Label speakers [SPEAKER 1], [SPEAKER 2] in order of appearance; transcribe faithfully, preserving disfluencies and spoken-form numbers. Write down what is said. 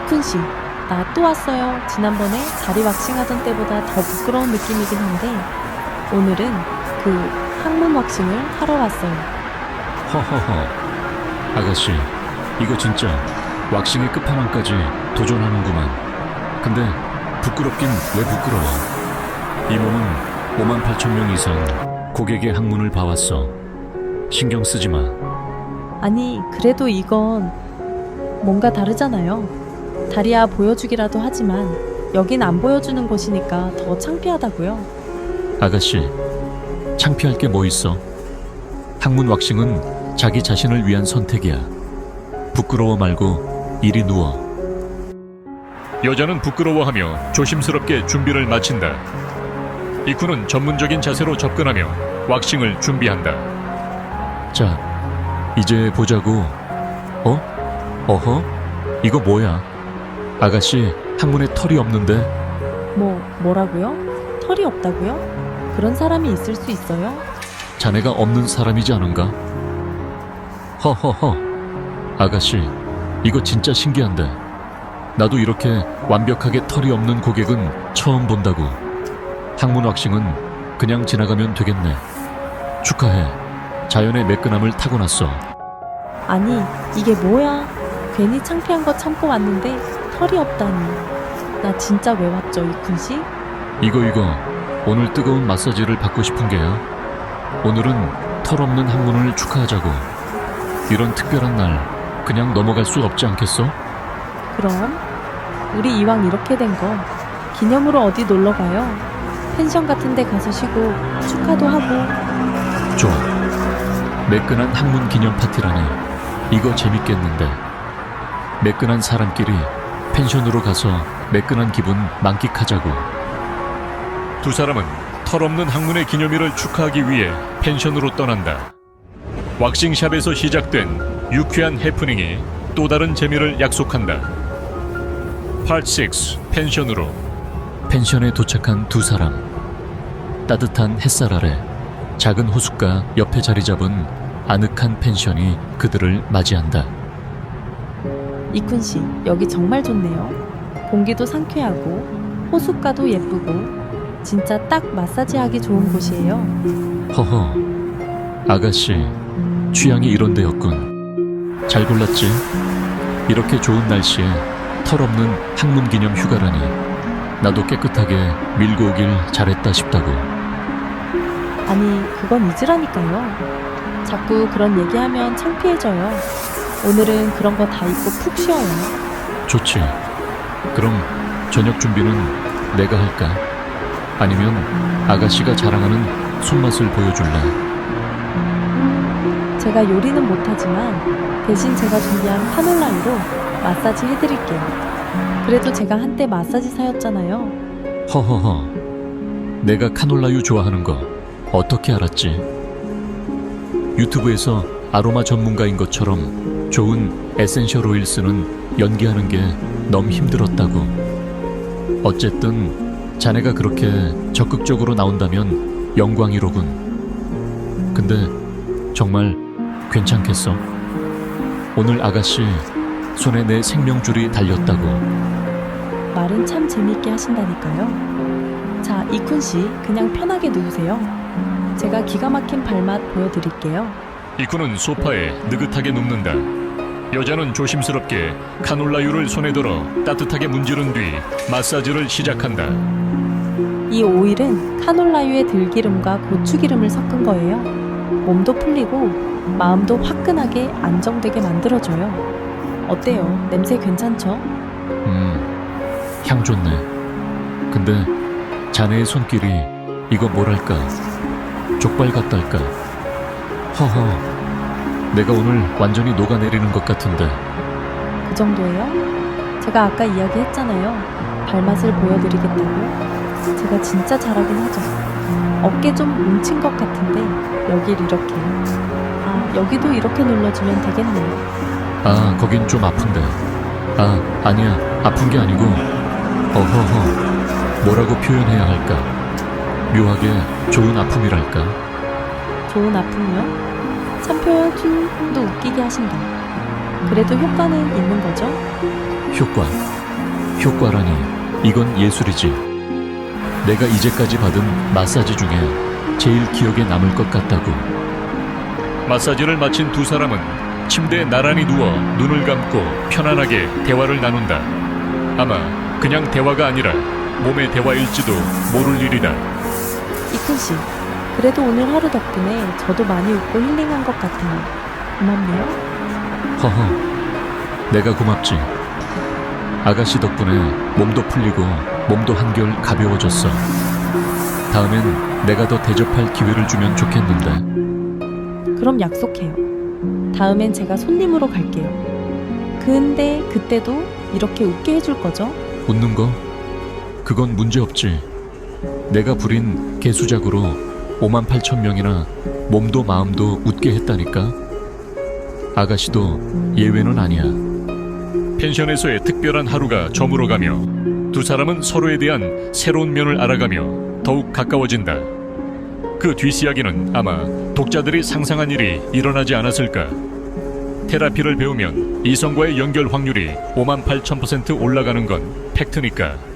[SPEAKER 1] 이쿤 씨, 나 또 왔어요. 지난번에 다리 왁싱하던 때보다 더 부끄러운 느낌이긴 한데 오늘은 그 항문 왁싱을 하러 왔어요.
[SPEAKER 2] 허허허. 아가씨, 이거 진짜 왁싱의 끝판왕까지 도전하는구만. 근데 부끄럽긴 왜 부끄러워? 이 몸은 오만 팔천 명 이상 고객의 항문을 봐왔어. 신경 쓰지 마.
[SPEAKER 1] 아니, 그래도 이건 뭔가 다르잖아요. 다리야 보여주기라도 하지만 여긴 안 보여주는 곳이니까 더 창피하다고요.
[SPEAKER 2] 아가씨, 창피할 게 뭐 있어? 항문 왁싱은 자기 자신을 위한 선택이야. 부끄러워 말고 이리 누워. 여자는 부끄러워하며 조심스럽게 준비를 마친다. 이쿠는 전문적인 자세로 접근하며 왁싱을 준비한다. 자, 이제 보자고. 어? 어허? 이거 뭐야? 아가씨, 항문에 털이 없는데?
[SPEAKER 1] 뭐, 뭐라고요? 털이 없다고요? 그런 사람이 있을 수 있어요?
[SPEAKER 2] 자네가 없는 사람이지 않은가? 허허허. 아가씨, 이거 진짜 신기한데. 나도 이렇게 완벽하게 털이 없는 고객은 처음 본다고. 항문 왁싱은 그냥 지나가면 되겠네. 축하해. 자연의 매끈함을 타고났어.
[SPEAKER 1] 아니, 이게 뭐야? 괜히 창피한 거 참고 왔는데 털이 없다니. 나 진짜 왜 왔죠, 이쿤 씨?
[SPEAKER 2] 이거 이거 오늘 뜨거운 마사지를 받고 싶은 게야. 오늘은 털 없는 항문을 축하하자고. 이런 특별한 날 그냥 넘어갈 수 없지 않겠어?
[SPEAKER 1] 그럼 우리 이왕 이렇게 된 거 기념으로 어디 놀러 가요? 펜션 같은 데 가서 쉬고 축하도 하고.
[SPEAKER 2] 좋아. 매끈한 항문 기념 파티라니. 이거 재밌겠는데. 매끈한 사람끼리 펜션으로 가서 매끈한 기분 만끽하자고. 두 사람은 털없는 항문의 기념일을 축하하기 위해 펜션으로 떠난다. 왁싱샵에서 시작된 유쾌한 해프닝이 또 다른 재미를 약속한다. 파트 육, 펜션으로. 펜션에 도착한 두 사람. 따뜻한 햇살 아래 작은 호숫가 옆에 자리 잡은 아늑한 펜션이 그들을 맞이한다.
[SPEAKER 1] 이쿤 씨, 여기 정말 좋네요. 공기도 상쾌하고 호숫가도 예쁘고 진짜 딱 마사지하기 좋은 곳이에요.
[SPEAKER 2] 허허. 아가씨, 취향이 이런 데였군. 잘 골랐지? 이렇게 좋은 날씨에 털없는 항문 기념 휴가라니. 나도 깨끗하게 밀고 오길 잘했다 싶다고.
[SPEAKER 1] 아니, 그건 잊으라니까요. 자꾸 그런 얘기하면 창피해져요. 오늘은 그런 거 다 잊고 푹 쉬어요.
[SPEAKER 2] 좋지. 그럼 저녁 준비는 내가 할까? 아니면 아가씨가 자랑하는 손맛을 보여줄래?
[SPEAKER 1] 제가 요리는 못하지만 대신 제가 준비한 카놀라유로 마사지 해드릴게요. 그래도 제가 한때 마사지사였잖아요.
[SPEAKER 2] 허허허. 내가 카놀라유 좋아하는 거 어떻게 알았지? 유튜브에서 아로마 전문가인 것처럼 좋은 에센셜 오일 쓰는 연기하는 게 너무 힘들었다고. 어쨌든 자네가 그렇게 적극적으로 나온다면 영광이로군. 근데 정말 괜찮겠어? 오늘 아가씨 손에 내 생명줄이 달렸다고.
[SPEAKER 1] 말은 참 재밌게 하신다니까요. 자, 이쿤 씨, 그냥 편하게 누우세요. 제가 기가 막힌 발맛 보여드릴게요.
[SPEAKER 2] 이쿠는 소파에 느긋하게 눕는다. 여자는 조심스럽게 카놀라유를 손에 들어 따뜻하게 문지른 뒤 마사지를 시작한다.
[SPEAKER 1] 이 오일은 카놀라유의 들기름과 고추기름을 섞은 거예요. 몸도 풀리고 마음도 화끈하게 안정되게 만들어줘요. 어때요? 냄새 괜찮죠?
[SPEAKER 2] 음, 향 좋네. 근데 자네의 손길이 이거 뭐랄까, 족발 같달까. 허허. 내가 오늘 완전히 녹아내리는 것 같은데.
[SPEAKER 1] 그 정도예요? 제가 아까 이야기했잖아요. 발맛을 보여드리겠다고. 제가 진짜 잘하긴 하죠. 어깨 좀 뭉친 것 같은데 여길 이렇게. 아, 여기도 이렇게 눌러주면 되겠네요.
[SPEAKER 2] 아, 거긴 좀 아픈데. 아, 아니야. 아픈 게 아니고. 어허허. 뭐라고 표현해야 할까? 묘하게 좋은 아픔이랄까?
[SPEAKER 1] 좋은 아픔이요? 참 표현도 웃기게 하신다. 그래도 효과는 있는 거죠?
[SPEAKER 2] 효과. 효과라니 이건 예술이지. 내가 이제까지 받은 마사지 중에 제일 기억에 남을 것 같다고. 마사지를 마친 두 사람은 침대에 나란히 누워 눈을 감고 편안하게 대화를 나눈다. 아마 그냥 대화가 아니라 몸의 대화일지도 모를 일이다.
[SPEAKER 1] 이쿤 씨, 그래도 오늘 하루 덕분에 저도 많이 웃고 힐링한 것 같아요. 고맙네요.
[SPEAKER 2] 허허, 내가 고맙지. 아가씨 덕분에 몸도 풀리고 몸도 한결 가벼워졌어. 다음엔 내가 더 대접할 기회를 주면 좋겠는데.
[SPEAKER 1] 그럼 약속해요. 다음엔 제가 손님으로 갈게요. 근데 그때도 이렇게 웃게 해줄 거죠?
[SPEAKER 2] 웃는 거? 그건 문제없지. 내가 부린 개수작으로 오만 팔천 명이나 몸도 마음도 웃게 했다니까. 아가씨도 예외는 아니야. 펜션에서의 특별한 하루가 저물어가며 두 사람은 서로에 대한 새로운 면을 알아가며 더욱 가까워진다. 그 뒷이야기는 아마 독자들이 상상한 일이 일어나지 않았을까. 테라피를 배우면 이성과의 연결 확률이 오만 팔천 퍼센트 올라가는 건 팩트니까.